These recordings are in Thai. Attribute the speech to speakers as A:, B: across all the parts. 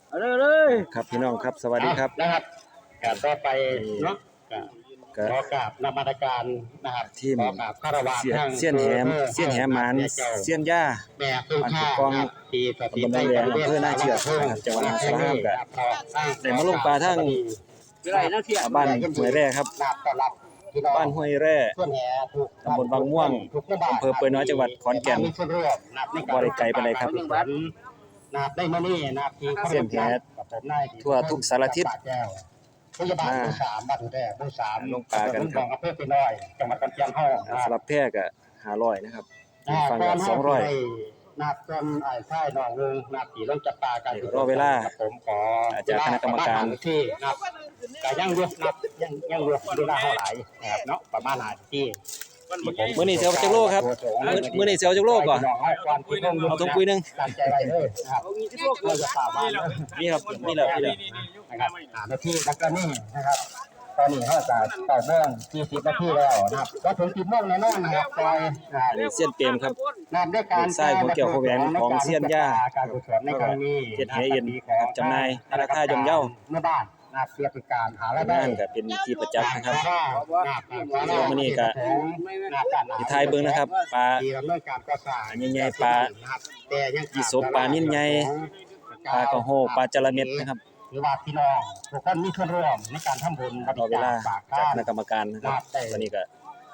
A: เอาเลย
B: ครับพี่น้องครับสวัสดีครับ
C: นะครับการต่อไปเนาะขอกราบนมัสการนะครับ
B: ทีม
C: ขอกราบคารวะทาง
B: เสี้ยนแหหมานเสี้ยนย่า
C: แม่คือข้าที่สถิตใน
B: ตำบลแดงอำเภอหน้าเชือกนะครับจังหวัดมหาสารคามครับได้มาลงปลาทั้งบ้านห้วยแร่ครับบ้านห้วยแร่ตำบลบางม่วงอำเภอเปื่อยน้อยจังหวัดขอนแก่นบ่ได้ไกลไปเลยครับ
C: ได้มานี่
B: เสี้ยนแหทั่วทุกสารทิศ
C: พยาบาลผู้3บ้านแร่ผู้3
B: ลงปลากันครับ
C: อำเภอเปื่อยน้อยจังหวัดขอนแก่นเฮา
B: สำหรับแพร่ก็500นะครับฟังกัน200
C: นับจนไอ้ค่ายน้องนึงนับที่ลงจับปลากัน
B: รอเวลา
C: ผมขอ
B: จากคณะกรรมการ
C: ที่นับก็ยังอยู่นับยังอยู่เวลาเท่าไหร่นะครับเนาะประมาณ5ที่
B: มื้อนี้เสียวจักโลครับมื้อนี้เสียวจักโลก่อนเอาถุงปุ๋ยนึง
C: ตั้งใจไว้เลยนะครับเราจะป่าบ้าน
B: นี่ครับนี่แหละ
C: นะครับนาทีแล้วก็นี่นะครับตอนนี้เขาจะต่อเนื่อง40นาทีแล้วนะครับก็ถึง10โมงแน่นอนนะครับซอย
B: เสี้ยนเปรมครับ
C: นับด้วยการ
B: สายหัวเกี่ยวหัวแหวนของเสี้ยนย่า
C: การกุศลในครั้งนี้
B: เฮ็ดให้เย็นจำหน่ายราคาย่อมเยา
C: เมื่อบ้านนะครับเพื่อเป็นการหารายได้
B: นั่นก็เป็นที่ประจักษ์นะครับมื้อนี้ก็สิทายเบิ่งนะครับปลาใหญ่ๆปลาอีสบปลานิ่นใหญ่ปลากระโหปลาจระเม็ดนะครับ
C: หรือว่าพี่น้องทุกคนมีส่วนร่วมในการทำบุญบริ
B: จาคจากคณะกรรมการ
C: นะครับ
B: ตอนนี้ก็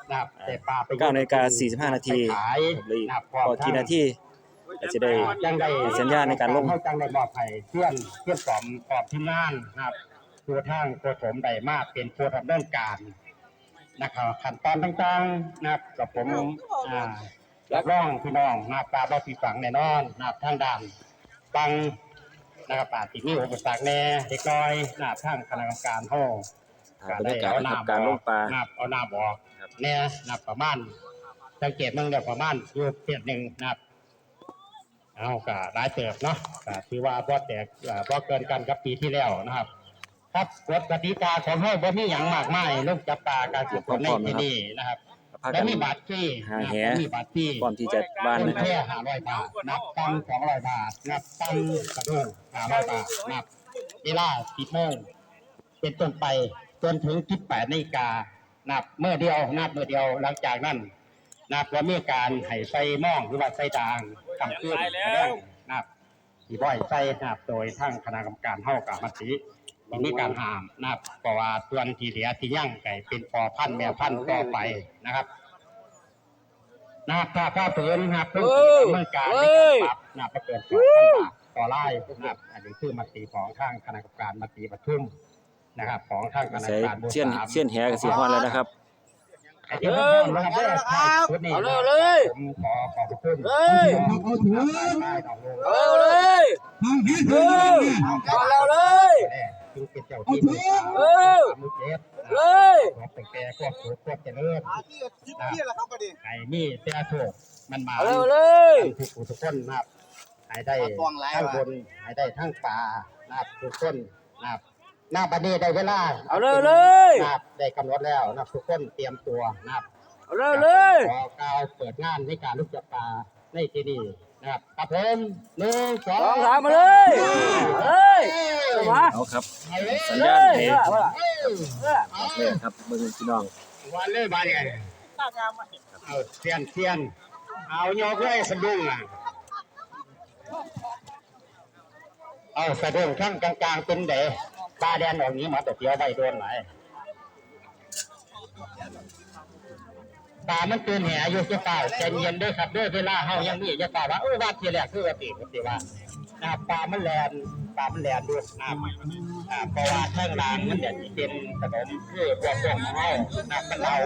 C: 9:45
B: น.45 นาทีเลยพอกี่นาทีก็จะได้สัญญาณในการลง
C: จังได้มอบให้เพื่อนปลอมทีมงานนะครับตัวทางโคสมได้มากเป็นผู้ดำเนินการนะครับขั้นตอนต่างๆนะครับกับผมรับรองพี่น้องนะครับปลาบ่ผิดหวังแน่นอนนะครับทางด่านฟังนะครับป่าติดมีอุปสรรคแน่เด็กน้อยนะครับทางคณะกรรมการเฮา
B: บรรยากาศการลงปลา
C: นะครับเอาน้ำออกแน่นะครับประมาณสังเกตมึงได้ประมาณอยู่เพียงนึงนะครับเอาก็หลายเติบเนาะก็ถือว่าบ่แตกบ่เกินกันกับปีที่แล้วนะครับครับกฎกติกาของเฮาบ่มีหยังมากมายลงจับปลาการฝึกฝนในที่นี้นะครับแล้วมีบัตรฟรี
B: มีบัตรฟรีพร้อมที่จะบ้านนะครับ
C: แค่500 บาทนับตัง200 บาทนับตังกระด้ง500 บาทนับเวลา10 โมงเป็นต้นไปจนถึง18 นาฬิกานับเมื่อเดียวนับเมื่อเดียวหลังจากนั้นนับว่ามีการให้ใส่หม้องหรือว่าใส่ด่างทำขึ้นนับที่บ่อยใส่นับโดยทางคณะกรรมการเฮากับมติมีการห้ามนะครับเพราะว่าส่วนที่เหลือที่ยั่งไก่เป็นพอพันธุ์แม่พันธุ์ต่อไปนะครับถ้าฝืนนะครับเมื่อการปรับนะครับเกิดต่อไล่นะครับอันนี้คือมติของทางคณะกรรมการมติประชุมนะครับของทางคณะกรรมการ
B: เสี้ยนแหกับสีฮ้อนแล้วนะครับ
A: เอาเลย
C: ผมขอขอบคุณ
A: เอาเลยเอาเลย
C: จึงเป็นเจ้าที่มือเจ็บเป็นแก่พวกสูงพวกเจริญไอ้นี่เจ้าโชคมันมาทุกคนนะครับให้ได้ทั้งบนให้ได้ทั้งป่านะครับทุกคนนะครับหน้าบัดนี้ได้เวลา
A: เอาเลย
C: นะครับได้กำหนดแล้วนะครับทุกคนเตรียมตัวนะครับ
A: เอาเลย
C: ขอกล่าวเปิดงานในการลูกจับปลาในที่นี่นะครับครับผม1 2
A: 3มาเลย
B: เอาครับสัญญาณให้ครับเบิ่งพี่น้อง
C: วันเลยบาดไงเอาเทียนเอาโยกเลยสะดุ้งอ่ะเอาสะดุ้งข้างกลางเป็นเด๋ปลาแดนออกนี้มาแต่เดียวใบโดนไหนปลามันตื่นแห่อยู่จะเปล่าใจเย็นด้วยครับด้วยเวลาเฮายังมีจะเปล่าว่าว่าทีแรกคือว่าติว่าปลามันแลนด้วยเพราะว่าเท่งรางมันจะเป็นขนมคือพวกของเฮามันเรา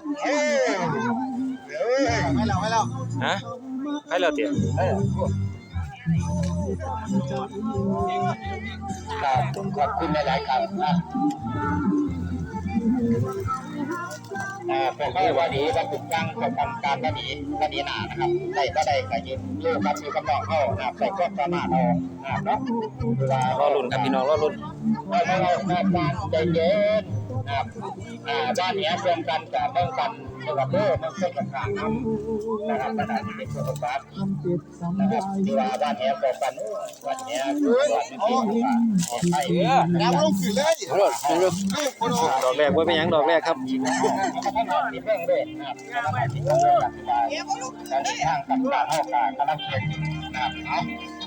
A: ไม่เรา
B: ฮะให้เราเตี๋ย
C: ขอบคุณหลายๆครับพวกเขาว่าดีว่าถูกตั้งประกำการว่าดีหนานะครับได้ก็ได้ก็ยืนอยู่กับอยู่กับน้องเขานะครับใส่ก็สามารถเอาเนาะ
B: รอรุ่นครับพี่น้องรอรุ่น
C: เราใจเย็นนะครับบ้านนี้รวมกันกับเมืองกันในจังหวัดเด้อมันเป็นกระถางน้ำนะครับขณะที่เป็นตัวประกอบนะครับที่ว่าบ้านแหบบอกกันบ้านแหบบ้านนี้ไอ้
A: น้ำลงขึ้นเลยเอาเลยเอาเลย
B: ดอกแรกว่าเป็นหยังดอกแรกครับ
C: มีเรื่องด้วยนะครับมีเรื่องด้วยการทางกับการเข้าการกำลังเขียนนะครับ